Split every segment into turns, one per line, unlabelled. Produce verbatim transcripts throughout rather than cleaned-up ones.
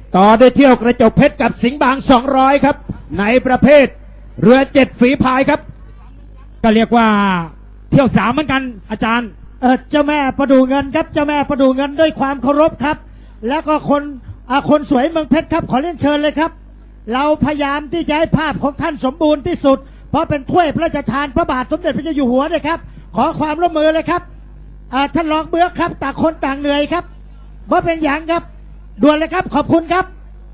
ต่อด้วยเที่ยวกระจกเพชรกับสิงห์บางสองร้อยครับในประเภทเรือเจ็ดฝีพายครับ
ก็เรียกว่าเที่ยวสามเหมือนกันอาจารย์
เออเจ้าแม่ประดูเงินครับเจ้าแม่ประดูเงินด้วยความเคารพครับแล้วก็คนอาคนสวยเมืองเพชรครับขอเรียนเชิญเลยครับเราพยายามที่จะให้ภาพของท่านสมบูรณ์ที่สุดเพราะเป็นถ้วยพระราชทานพระบาทสมเด็จพระเจ้าอยู่หัวเลยครับขอความร่วมมือเลยครับท่านรองเบื้องครับต่างคนต่างเหนื่อยครับเพราะเป็นอย่างครับด่วนเลยครับขอบคุณครับ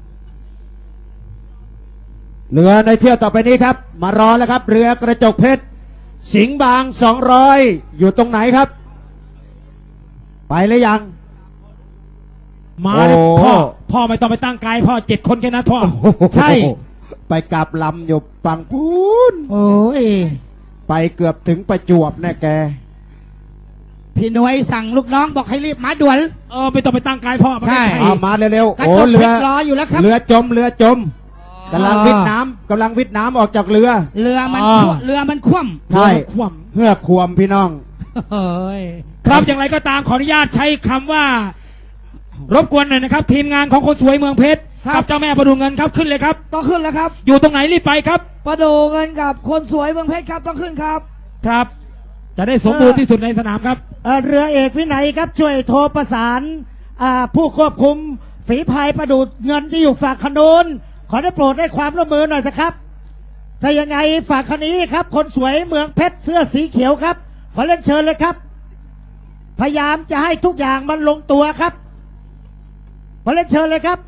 เรือในเที่ยวต่อไปนี้ครับมารอแล้วครับเรือกระจกเพชรสิงห์บางสองร้อยอยู่ตรงไหนครับไปหรือยัง
มาเลยพ่อพ่อไม่ต้องไปตั้งไกลพ่อเจ็ดคนแค่นั้นพ่อ
ใช่ไปกลับลำอยู่ฝั่งพูน
โอ้ย
ไปเกือบถึงประจวบแน่แก
พี่หน่วยสั่งลูกน้องบอกให้รีบมาด่วน
เออไม่ต้องไปตั้งไกลพ่อ
ใช่เอามาเร็วๆโอ้เรือรออยู่แล้วครับเรือจมเรือจมกำลังวิทน้ำกำลังวิทน้ำออกจากเรือ
เรือมันเรือมันคว่ำ
ใช่คว่ำเพื่อควมพี่น้อง
เฮ้ยครับอย่างไรก็ตามขออนุญาตใช้คำว่ารบกวนหน่อยนะครับทีมงานของคนสวยเมืองเพชรกับเจ้าแม่ประดูเงินครับขึ้นเลยครับ
ต้องขึ้นแล้วครับ
อยู่ตรงไหนรีบไปครับ
ประดูเงินกับคนสวยเมืองเพชรครับต้องขึ้นครับ
ครับจะได้สมบูรณ์ที่สุดในสนามครับ
เรือเอกวินัยครับช่วยโทรประสานผู้ควบคุมฝีพายประดูเงินที่อยู่ฝั่งขนนขอได้โปรดให้ความร่วมมือหน่อยนะครับถ้ายังไงฝากคันนี้ครับคนสวยเมืองเพชรเสื้อสีเขียวครับขอเล่นเชิญเลยครับพยายามจะให้ทุกอย่างมันลงตัวครับขอเล่นเชิญเลยครับ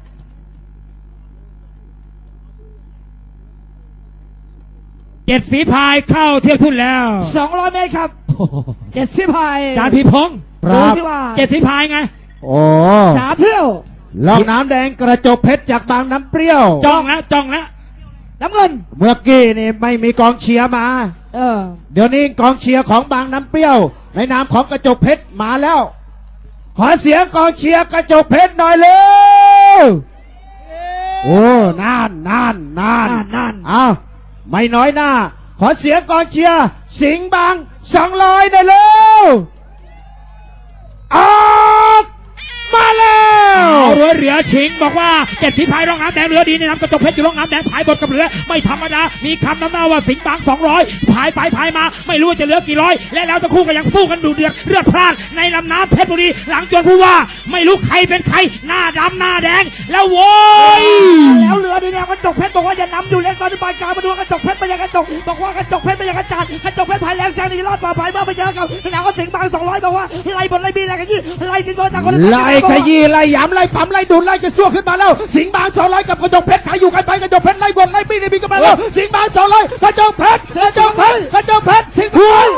เจ็ดฝีพายเข้าเที่ยวทุ่นแล้ว
สองร้อยเมตรครับเจ็ดฝีพาย
จานพีพงศ์เจ็ดฝีพายไง
โอ้
สามเที่ยว
ลองน้ำแดงกระจกเพชรจากบางน้ำเปรี้ยว
จ้องแล้วจ้องแล้ว
น้ำเงิน
เมื่อกี้นี่ไม่มีกองเชียร์มา
เออ
เดี๋ยวนี้กองเชียร์ของบางน้ำเปรี้ยวในนามของกระจกเพชรมาแล้วขอเสียงกองเชียร์กระจกเพชรหน่อยเร็วโอ้นานนานนาน
นาน
อ้าวไม่น้อยหน้าขอเสียงกองเชียร์สิงห์บางสองร้อยหน่อยเร็วออกมาแล้ว
เรือเรือชิงบอกว่าเจ็ดฝีพายร่องน้ำแดงเรือดีในน้ำกระจกเพชรอยู่ร่องน้ำแดงพายบทกับเรือไม่ธรรมดามีคำนำหน้าว่าสิงห์บางสองร้อยพายไปพายมาไม่รู้จะเหลือกี่ร้อยและแล้วทั้งคู่ก็ยังสู้กันดูเดือดเลือดพล่านในลำน้ำเพชรบุรีหลังจนผู้ว่าไม่รู้ใครเป็นใครหน้าดำหน้าแดงแล้วโว้ย
แล้วเรือดีเนี่ยกระจกเพชรบอกว่าจะนำอยู่เล่นตอนที่ปลายกลางมาดูกระจกเพชรไปยังกระจกบอกว่ากระจกเพชรไปยังกระจาดกระจกเพชรพายแรงแซงในรอบต่อไปเมื่อไปเจอกับแล้วก็สิงห์บางสองร้อยบอกว่าไล่บนไล่บีไล่ขยี้ไล่สิงห์บางจากคน
ไล่ขยี้ไล่ย้ำไล่ปั๊มไล่ดุนไล่กระซวกขึ้นมาแล้วสิงห์บางสองร้อยกับกระจกเพชรขายอยู่กันไปกระจกเพชรไล่บนไล่ปีนี่ปีกันมาแล้วสิงห์บางสองร้อยกระจกเพชรกระจกเพชรกระจกเพชรสิงห์บาง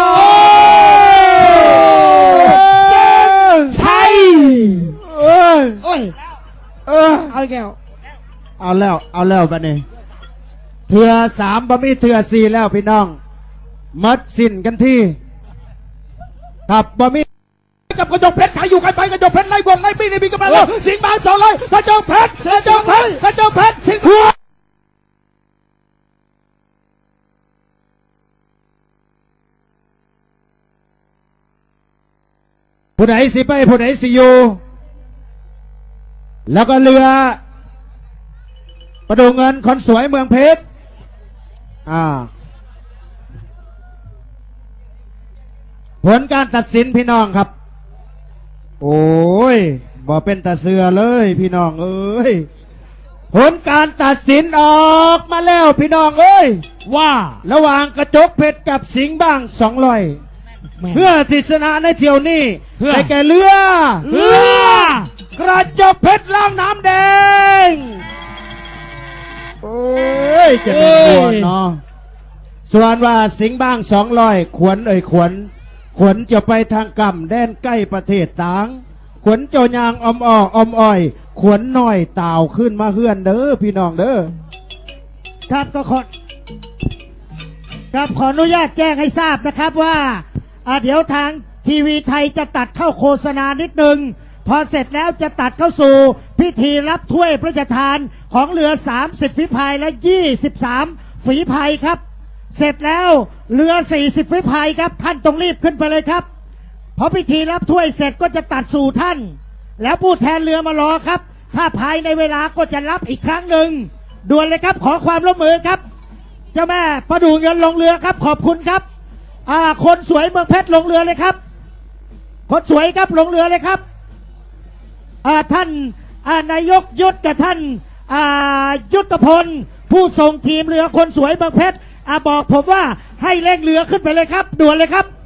ใช่
เอ้ย
โอ้ย
เออ
เอาแก้ว
เอาแล้วเอาแล้วบัดนี้เถื่อสามบะมี่เถื่อสี่แล้วพี่น้องมัดสิ้นกันที่ขับบะมี่กับกระจกเพชรขายอยู่กันไปกระจกเพชรไล่บนไล่ปีนี่ปีกันมาแล้วสิงห์บางสองร้อยกระจกเพชรกระจกเพชรกระจกเพชรสิงห์บางผู้ไหนสิไปผู้ไหนสิอยู่แล้วก็เรือประดูเงินคนสวยเมืองเพชรอ่าผลการตัดสินพี่น้องครับโอ้ยบ่เป็นตาเสือเลยพี่น้องเอ้ยผลการตัดสินออกมาแล้วพี่น้องเอ้ย
ว่า
ระหว่างกระจกเพชรกับสิงห์บางสองร้อยเพื่อที่ชนะในเที่ยวนี้ได้แก่เรือ
เรื
อกระจกเพชรล่างน้ำแดงโอ้ยจะเป็นตัวเนาะส่วนว่าสิงห์บางสองร้อยขวนเอ่ยขวนขวนจะไปทางกำแดนใกล้ประเทศต่างขวนเจ้ายางอมอ้ออมอ้อยขวนน้อยเต่าขึ้นมาเฮือนเด้อพี่น้องเด้อ
ครับก็ขอครับขออนุญาตแจ้งให้ทราบนะครับว่าเดี๋ยวทางทีวีไทยจะตัดเข้าโฆษณานิดนึงพอเสร็จแล้วจะตัดเข้าสู่พิธีรับถ้วยพระราชทานของเรือสามสิบฝีพายและยี่สิบสามฝีพายครับเสร็จแล้วเรือสี่สิบฝีพายครับท่านต้องรีบขึ้นไปเลยครับพอพิธีรับถ้วยเสร็จก็จะตัดสู่ท่านแล้วผู้แทนเรือมารอครับถ้าภายในเวลาก็จะรับอีกครั้งหนึ่งด่วนเลยครับขอความร่วมมือครับเจ้าแม่ประดูเงินลงเรือครับขอบคุณครับอ่าคนสวยเมืองเพชรลงเรือเลยครับคนสวยครับลงเรือเลยครับอ่าท่านอ่านายกยุทธกับท่านอ่ายุทธพลผู้ส่งทีมเรือคนสวยเมืองเพชรอ่าบอกผมว่าให้เร่งเรือขึ้นไปเลยครับด่วนเลยครับ